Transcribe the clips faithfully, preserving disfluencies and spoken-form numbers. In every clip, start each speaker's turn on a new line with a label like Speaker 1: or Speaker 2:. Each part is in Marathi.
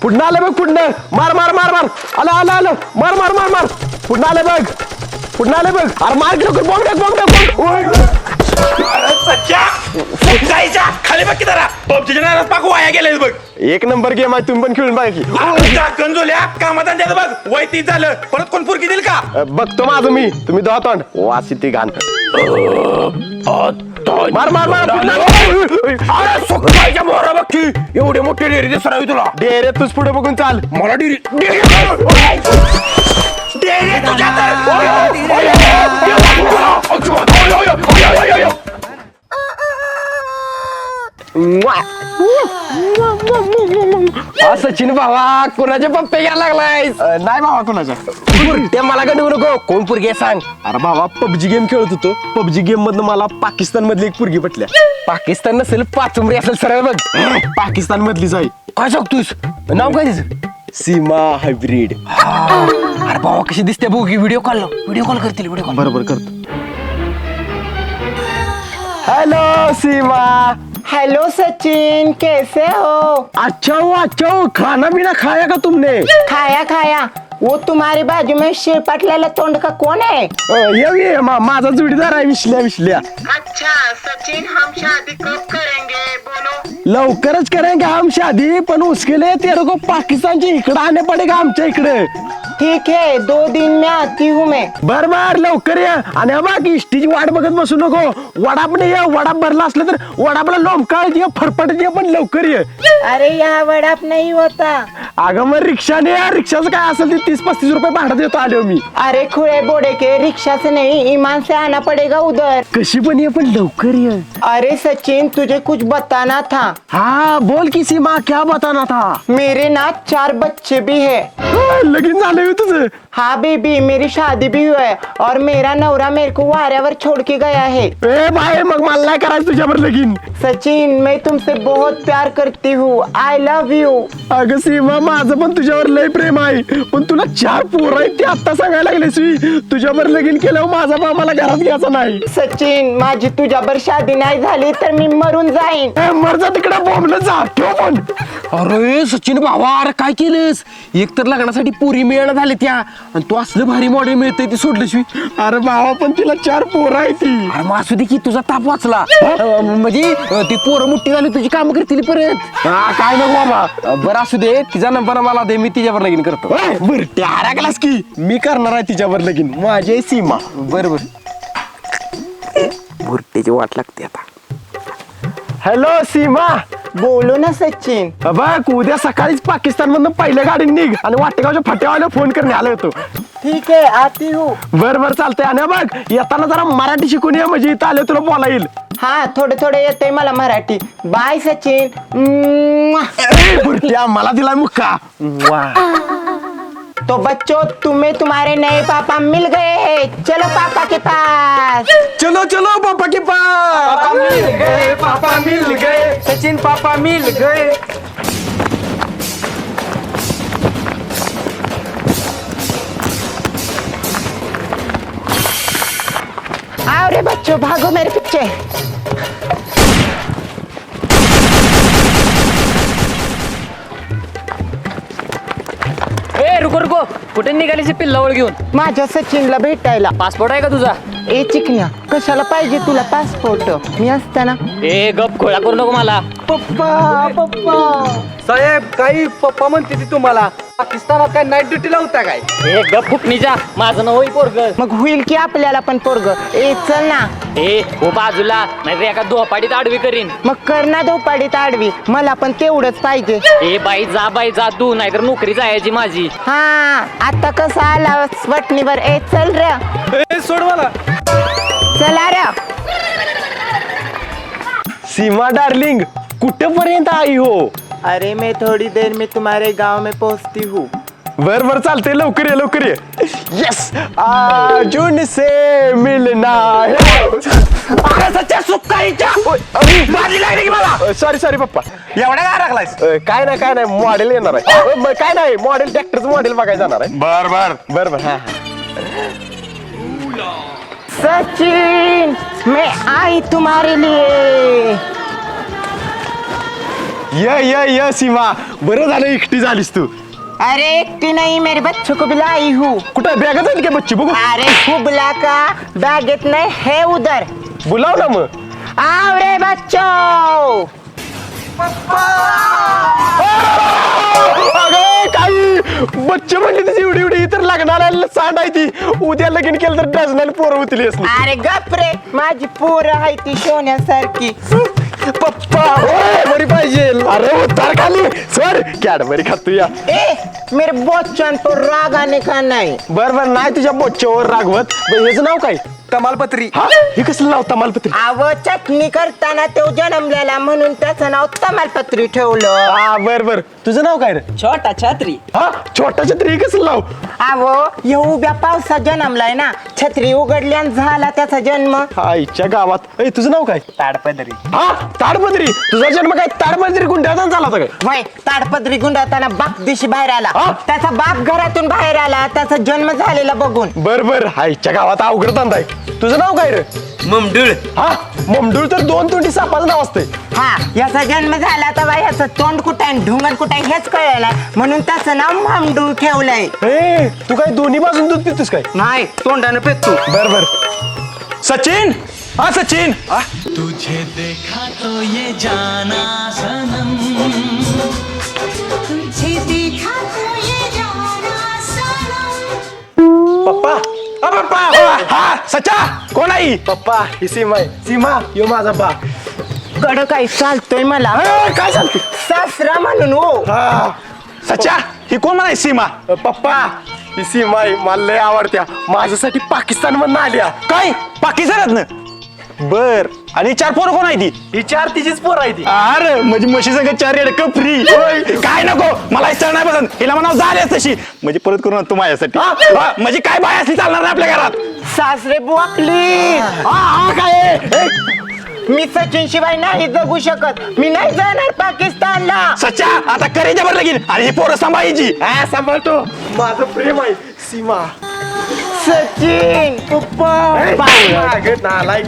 Speaker 1: पुढं आलं बघ पुढं मार मार मार मार आलं आलं आलं मार मार मार मार पुढं आलं बघ पुढं आलं बघ अरे मार लवकर बॉम्ब टाक बॉम्ब टाक
Speaker 2: जायच्या खाली बघ की जरा पबजीच्या नाराज पाकू वाया गेले बघ.
Speaker 1: एक नंबर गेम आहे तुम्ही पण खेळून बघा की
Speaker 2: कंजोल्या कामात आणतात बघ वय तीच झालं परत कोण पुरकी देईल का.
Speaker 1: अ, बघतो माझं मी तुम्ही दोहा तोंड वासी ती घाण मार मार मार
Speaker 2: सुकायच्या मोहरा बघ की एवढे मोठे डेअरी दिसणार तुला.
Speaker 1: डेरे तूच पुढे बघून चाल
Speaker 2: मला डेअरी डेअरी तुझ्या
Speaker 1: सचिन भावा कोणाचे पप्पे घ्यायला लागलाय. नाही भावा कोणाच्या ते मला का देऊ नको कोण पुरगी सांग. अरे भावा पबजी गेम खेळत होतो पबजी गेम मधनं मला पाकिस्तान मधली एक पुरगी पटल्या. पाकिस्तान नसेल पाचुंबरी असेल सरळ बघ पाकिस्तान मधलीच आहे.
Speaker 2: काय सांगतोस नाव काय तिचं.
Speaker 1: सीमा हायब्रिड.
Speaker 2: अरे बाबा कशी दिसते बघ व्हिडिओ कॉल व्हिडिओ कॉल करतील व्हिडिओ कॉल.
Speaker 1: बरोबर करतो. हेलो सीमा.
Speaker 3: हेलो सचिन कैसे हो.
Speaker 1: अच्छा हो अच्छा हो खाना पीना खाया का तुमने.
Speaker 3: खाया खाया. वो तुम्हारे बाजू में शेर पटलेला तोंड का कौन है.
Speaker 1: अ, ये ये मा, माझा जोडीदार आहे विश्ल्या विश्ल्या.
Speaker 3: अच्छा सचिन हम शादी कब करेंगे बोलो.
Speaker 1: लवकरच करेंगे हम शादी पण उसके लिए तेरे को पाकिस्तान से इकडे आने पडेगा आमच्या इकडे.
Speaker 3: ठीक है दो दिन में आती हूँ मैं.
Speaker 1: बर बर लवकर ये आणि हा बघ इष्टीची वाट बघत बसू नको. वडाप नाही ये वडाप भरला असलं तर वडापला लोंबकाळ ये फरफट ये पण लवकर ये.
Speaker 3: अरे यहाँ वडाप नहीं होता.
Speaker 1: अगं मग रिक्षाने या रिक्षाचं काय असेल ते तीस पस्तीस रुपये भाडं देतो आलो मी.
Speaker 3: अरे खुले बोड़े के रिक्शा से नहीं ईमान से आना पड़ेगा उधर.
Speaker 1: कशी पण ये पण लवकर ये.
Speaker 3: अरे सचिन तुझे कुछ बताना था.
Speaker 1: हाँ बोल की सीमा क्या बताना था.
Speaker 3: मेरे ना चार बच्चे भी है.
Speaker 1: हा, लगीन झालंय हो तुझं.
Speaker 3: हाँ बेबी मेरी शादी भी हुई है और मेरा नवरा मेरे को वाऱ्यावर छोड़ के गया है.
Speaker 1: ए भाई मग मला नाही करायचं तुझ्यावर लगीन.
Speaker 3: सचिन मैं तुमसे बहुत प्यार करती हूँ. I love you.
Speaker 1: अगं सीमा माझं पण तुझ्यावर लय प्रेम आहे पण तुला चार पोरं आहेत ते आता सांगायला लागलेस मी. तुझ्यावर लगीन केल्यावर माझा बा मला घरात घ्यायचा नाही.
Speaker 3: सचिन माझी तुझ्यावर शादी नाही झाली तर मी मरून जाईन.
Speaker 1: ए, मरजा तिकडे बॉम्बला जा ठेव पण.
Speaker 2: अरे सचिन भावा अरे काय केलंस एक तर लग्नासाठी पुरी मिळणं झाले त्या आणि तू असलं भारी मॉडेल मिळतंय ते सोडलंस मी.
Speaker 1: अरे भावा पण तिला चार पोरं आहे ती.
Speaker 2: अरे मग असू दे की तुझा ताप वाचला. अं, म्हणजे अं, ती पोरं मोठी झाली तुझी कामं करतील परत.
Speaker 1: हा काय नको बाबा.
Speaker 2: अं, बरं असू दे तिचा नंबर मला दे मी तिच्यावर लगीन करतो.
Speaker 1: बर त्या हराकलास की मी करणार आहे तिच्यावर लगीन माझी आहे सीमा.
Speaker 2: बरं बरं भुरट्याची वाट लागते आता.
Speaker 1: हॅलो सीमा.
Speaker 3: बोलो ना सचिन.
Speaker 1: बघ उद्या सकाळीच पाकिस्तान मधून पहिल्या गाडीने निघ आणि वाटेगावच्या फाट्यावाल्या फोन करणे आलो होतो.
Speaker 3: ठीक है आती हूँ.
Speaker 1: बर बर चालतंय आणि बघ येताना जरा मराठी शिकून ये म्हणजे इथं आले तुला बोला येईल.
Speaker 3: हाँ थोडे थोडे येते मला मराठी. बाय सचिन. म्वा.
Speaker 1: ए, बुरट्या मला दिलाय मुक्का.
Speaker 3: तो बच्चों तुम्हें तुम्हारे नए पापा मिल गए हैं. चलो पापा के पास.
Speaker 1: चलो चलो पापा के पास.
Speaker 2: पापा मिल गए पापा मिल गए सचिन पापा मिल गए.
Speaker 3: आओ रे बच्चों भागो मेरे पीछे.
Speaker 4: ए रुको रुको कुठे निघालीची पिल्लावळ घेऊन.
Speaker 3: माझ्या सचिनला भेटायला.
Speaker 4: पासपोर्ट आहे का तुझा.
Speaker 3: ए चिकन्या कशाला पाहिजे तुला पासपोर्ट मी असताना.
Speaker 4: ए गप खोळा करू नको मला.
Speaker 3: पप्पा पप्पा.
Speaker 2: साहेब काही पप्पा म्हणते ती तुम्हाला पाकिस्तानात काय नाईट ड्युटीला होता काय.
Speaker 4: ए गप फुकणीच्या माझं नाव होई पोरग.
Speaker 3: मग होईल की आपल्याला पण पोरग. ए चल ना.
Speaker 4: ए हो बाजूला नाही एका दोपाडीत आडवी करीन.
Speaker 3: मग कर ना धोपाडीत आडवी मला पण तेवढंच पाहिजे.
Speaker 4: ए बाई जा बाई जा तू नाहीतर नोकरी जायची माझी.
Speaker 3: हा आता कसं आला वटणीवर. ए चल रे.
Speaker 2: सोड मला.
Speaker 3: चला रे.
Speaker 1: सीमा डार्लिंग कुठेपर्यंत आई हो.
Speaker 3: अरे मैं थोड़ी देर में तुम्हारे गांव में पहुंचती हूँ.
Speaker 1: बर बर चालतंय लवकर ये लवकर ये. यस अर्जुन से मिलना सॉरी सॉरी पप्पा.
Speaker 2: एवढ्या काय राखलायस.
Speaker 1: अ, काय नाही काय नाही मॉडेल येणार आहे. अ, म, काय नाही मॉडेल ट्रॅक्टरचं मॉडेल बघायला जाणार आहे.
Speaker 2: बर बर
Speaker 1: बर बर हा
Speaker 3: सचिन मैं आई तुम्हारे लिए.
Speaker 1: य य य सीमा बरं झालं एकटी झालीस तू
Speaker 3: अरे एकटी नहीं मेरे बच्चों को भी लाई हूँ.
Speaker 1: कुठं बॅग झाली का बच्ची बघू
Speaker 3: अरे हुबला का बैगेत नहीं है उधर.
Speaker 1: बोलाव ना मग
Speaker 3: आओ रे बच्चों.
Speaker 1: अगं काही बच्चे म्हणली तशी एवढी एवढी तर लागणार सांड आहे ती उद्या लगीन केलं तर डझनाला पोरं होतील असली.
Speaker 3: अरे गप रे माझी पोरं आहे ती सोन्यासारखी.
Speaker 1: पप्पा बरी पाहिजे अरे उतार खाली सर कॅडबरी खातो या
Speaker 3: ए मेरे बच्चन तो राग आने का नहीं.
Speaker 1: बर बर नाही तुझ्या बोच्च्यावर रागवत बरं, याचं नाव काय तमालपत्री हा हे कसलं नाव तमालपत्री
Speaker 3: अव चटणी करताना तो जन्मलेला म्हणून त्याचं नाव तमालपत्री ठेवलं.
Speaker 1: हा बर बर तुझं नाव काय रे
Speaker 3: छोटा छत्री.
Speaker 1: हा छोटा छत्री हे कसलं नाव
Speaker 3: अव हे उभ्या पावसात जन्मलाय ना छत्री उघडल्यान झाला त्याचा जन्म.
Speaker 1: हा इच्छा गावात ए तुझं नाव काय
Speaker 3: ताडपदरी.
Speaker 1: हा ताडपत्री तुझा जन्म काय ताडपत्री गुंड्याचा झाला होता काय
Speaker 3: वय ताडपदरी गुंडाळताना बाप दिशी बाहेर आला.
Speaker 1: हा?
Speaker 3: त्याचा बाप घरातून बाहेर आला त्याचा जन्म झालेला बघून.
Speaker 1: बर बर हा इच्छा गावात अवघड धंदा आहे तुझं नाव काय रे
Speaker 2: ममडूळ.
Speaker 1: हा ममडूळ तर दोन तोंडी सापाचं नाव असतंय
Speaker 3: हा याचा जन्म झाला तर बाई याचं तोंड कुठं आहे ढुंगण कुठं आहे हेच कळलं म्हणून त्याचं नाव मामडूळ ठेवलंय.
Speaker 1: ए तू काय दोन्ही बाजून दूध पितोस काय
Speaker 3: नाही तोंडानं पेतो.
Speaker 1: बर बर
Speaker 2: सचिन हा सचिन
Speaker 5: तुझे देखा तो ये जाना सनम
Speaker 6: तुझे देखा तो ये जाना सनम.
Speaker 1: पप्पा अ, पप्पा
Speaker 2: हा सचा कोण आई
Speaker 1: पप्पा ही सीमा आहे सीमा यो माझा बा
Speaker 3: कड काही चालतोय मला
Speaker 1: अ, काय सांगते
Speaker 3: सासरा म्हणून हो.
Speaker 1: हा
Speaker 2: सचा ही कोण म्हणाय सीमा
Speaker 1: अ, पप्पा ही सीमा आहे मला लय आवडत्या माझ्यासाठी पाकिस्तान मधून आल्या
Speaker 2: काय पाकिस्तानात बर आणि चार पोरं कोण आहे ती
Speaker 1: ही चार तिचीच पोर आहे ती
Speaker 2: अरे म्हणजे म्हशी संग चार रेडक फ्री काय नको मला इच्छा नाही पसंत हिला म्हणा झालीच तशी म्हणजे परत करून आणतो माझ्यासाठी हा, म्हणजे काय बाय असली चालणार नाही आपल्या घरात
Speaker 3: सासरे बुवाकली.
Speaker 2: हा हा काय ए,
Speaker 3: मी सचिन शिवाय नाही जगू शकत. मी नाही जाणार पाकिस्तानला.
Speaker 2: सच्चा आता करे जबर लगीन आणि ही पोरं सांभाळायची
Speaker 1: हा सांभाळतो माझं प्रेम आहे सीमा
Speaker 3: सचिन
Speaker 1: पप्पा नालायक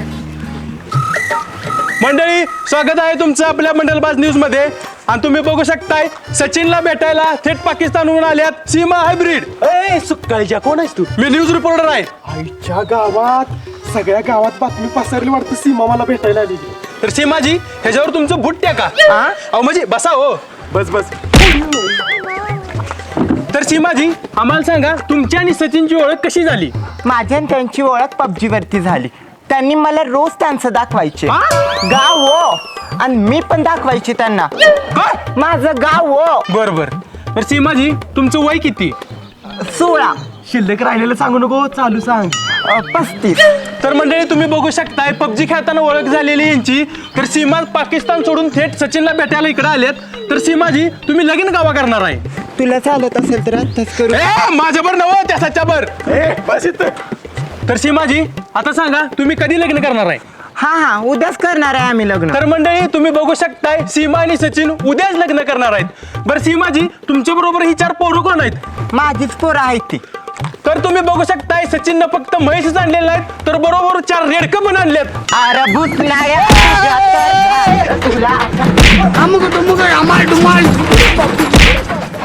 Speaker 7: मंडळी स्वागत आहे तुमचं आपल्या मंडलबाज न्यूज मध्ये आणि तुम्ही बघू शकताय सचिनला भेटायला थेट पाकिस्तानहून आल्यात सीमा हायब्रिड.
Speaker 1: ए सुकाळीच्या कोण आहेस तू
Speaker 7: मी न्यूज रिपोर्टर आहे.
Speaker 1: आईच्या गावात सगळ्या गावात बातमी पसरली वाटतं सीमा मला भेटायला आली
Speaker 7: तर सीमाजी ह्याच्यावर तुमचं बुट टाका. अहो म्हणजे बसा हो.
Speaker 1: बस बस
Speaker 7: तर सीमाजी आम्हाला सांगा तुमची आणि सचिनची ओळख कशी झाली.
Speaker 3: माझी आणि त्यांची ओळख पबजी वरती झाली. त्यांनी मला रोज त्यांचं दाखवायचे गाव हो आणि मी पण दाखवायची त्यांना माझं गाव हो.
Speaker 7: बर बर तर सीमाजी तुमचं वय किती.
Speaker 3: सोळा.
Speaker 1: शिल्लक राहिलेलं सांगू नको चालू सांग
Speaker 3: अ, पस्तीस.
Speaker 7: तर मंडळी तुम्ही बघू शकताय पबजी खेळताना ओळख झालेली यांची. तर सीमा पाकिस्तान सोडून थेट सचिनला भेटायला इकडे आलेत. तर सीमाजी तुम्ही लगीन गावा करणार आहे.
Speaker 3: तुला चालत असेल तर आत्ताच करू.
Speaker 7: ए माझ्यावर नव त्या सच्यावर.
Speaker 1: ए बस इथं
Speaker 7: तर सीमाजी आता सांगा तुम्ही कधी लग्न करणार आहे.
Speaker 3: हा हा उद्याच करणार आहे आम्ही लग्न.
Speaker 7: तर मंडळी तुम्ही बघू शकताय सीमा आणि सचिन उद्याच लग्न करणार आहेत. बरं सीमाजी तुमच्या बरोबर ही चार पोरं कोण आहेत.
Speaker 3: माझीच पोरं आहेत ती.
Speaker 7: तर तुम्ही बघू शकताय सचिननं फक्त म्हैसच आणलेलं नाहीत तर बरोबर चार रेडकं पण आणलेत.
Speaker 3: अरे भूत नाही तुला